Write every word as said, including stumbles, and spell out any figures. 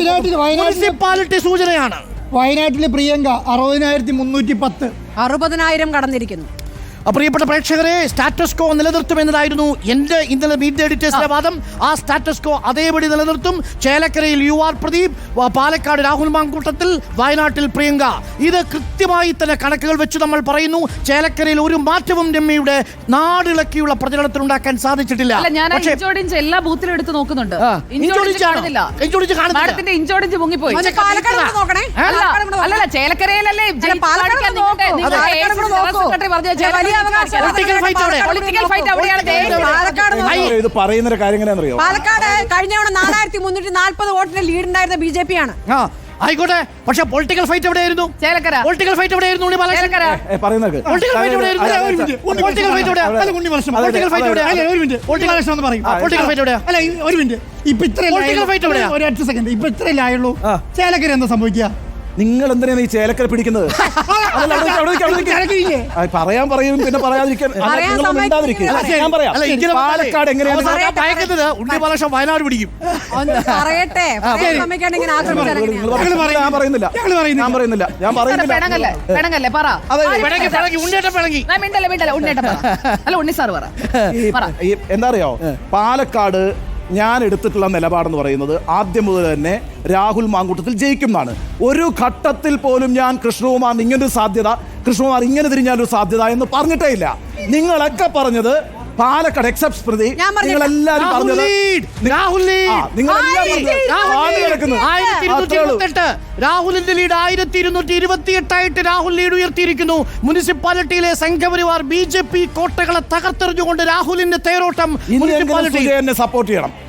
Municipality സൂചനയാണ്. വയനാട്ടിലെ പ്രിയങ്ക അറുപതിനായിരത്തി മുന്നൂറ്റി പത്ത് അറുപതിനായിരം കടന്നിരിക്കുന്നു. പ്രിയപ്പെട്ട പ്രേക്ഷകരെ, സ്റ്റാറ്റസ് കോ നിലനിർത്തുമെന്നതായിരുന്നു എൻ്റെ ഇന്നലെ മീറ്റ് ദ എഡിറ്റേഴ്സിന്റെ വാദം. ആ സ്റ്റാറ്റസ് കോ അതേപടി നിലനിർത്തും. ചേലക്കരയിൽ യു ആർ പ്രദീപ്, പാലക്കാട് രാഹുൽ മാങ്കൂട്ടത്തിൽ, വയനാട്ടിൽ പ്രിയങ്ക. ഇത് കൃത്യമായി തന്നെ കണക്കുകൾ വെച്ച് നമ്മൾ പറയുന്നു. ചേലക്കരയിൽ ഒരു മാറ്റവും രമ്യയുടെ നാടിളക്കിയുള്ള പ്രചരണത്തിനുണ്ടാക്കാൻ സാധിച്ചിട്ടില്ല. എല്ലാ ബൂത്തിലും എടുത്ത് നോക്കുന്നുണ്ട്. ഇഞ്ചോടിഞ്ച് മുങ്ങിപ്പോയി. അല്ലല്ല, ചേലക്കരയിലല്ലേ ഇത് പറയുന്ന കാര്യം എങ്ങനെയാണെന്നറിയോ? പാലക്കാട് കഴിഞ്ഞ തവണ നാലായിരത്തി മുന്നൂറ്റി നാല്പത് വോട്ടിന്റെ ലീഡ് ഉണ്ടായിരുന്ന ബി ജെ പി ആണ്. ആയിക്കോട്ടെ, പക്ഷെ പൊളിറ്റിക്കൽ ഫൈറ്റ് എവിടെയായിരുന്നു? ചേലക്കര. പൊളിറ്റിക്കൽ ഫൈറ്റ് എവിടെയായിരുന്നു? ചേലക്കര എന്താ സംഭവിക്കുക? നിങ്ങൾ എന്തിനാണ് ഈ ചേലക്കര പിടിക്കുന്നത്? പറയാൻ പറയും, പിന്നെ പറയാതിരിക്കാൻ പാലക്കാട് എങ്ങനെയാണ് ഉണ്ണി ബാലകൃഷ്ണൻ വയനാട് പിടിക്കും. പറയട്ടെ, ഞാൻ പറയുന്നില്ല ഞാൻ പറയുന്നില്ല ഞാൻ പറയുന്നില്ല എന്താ അറിയോ, പാലക്കാട് ഞാൻ എടുത്തിട്ടുള്ള നിലപാടെന്ന് പറയുന്നത് ആദ്യം മുതൽ തന്നെ രാഹുൽ മാങ്കൂട്ടത്തിൽ ജയിക്കും എന്നാണ്. ഒരു ഘട്ടത്തിൽ പോലും ഞാൻ കൃഷ്ണകുമാർ ഇങ്ങനൊരു സാധ്യത, കൃഷ്ണകുമാർ ഇങ്ങനെ തിരിഞ്ഞാലൊരു സാധ്യത എന്ന് പറഞ്ഞിട്ടേ ഇല്ല. നിങ്ങളൊക്കെ പറഞ്ഞത് പാലക്കാട് എക്സെപ്റ്റ് സ്മൃതി, നിങ്ങളെല്ലാരും പറഞ്ഞത് രാഹുലിന്റെ ലീഡ് ആയിരത്തി ഇരുന്നൂറ്റി ഇരുപത്തി എട്ടായിട്ട് രാഹുൽ ലീഡ് ഉയർത്തിയിരിക്കുന്നു. മുനിസിപ്പാലിറ്റിയിലെ സംഘപരിവാർ ബി ജെ പി കോട്ടകളെ തകർത്തെറിഞ്ഞുകൊണ്ട് രാഹുലിന്റെ തേരോട്ടം മുനിസിപ്പാലിറ്റി സപ്പോർട്ട് ചെയ്യണം.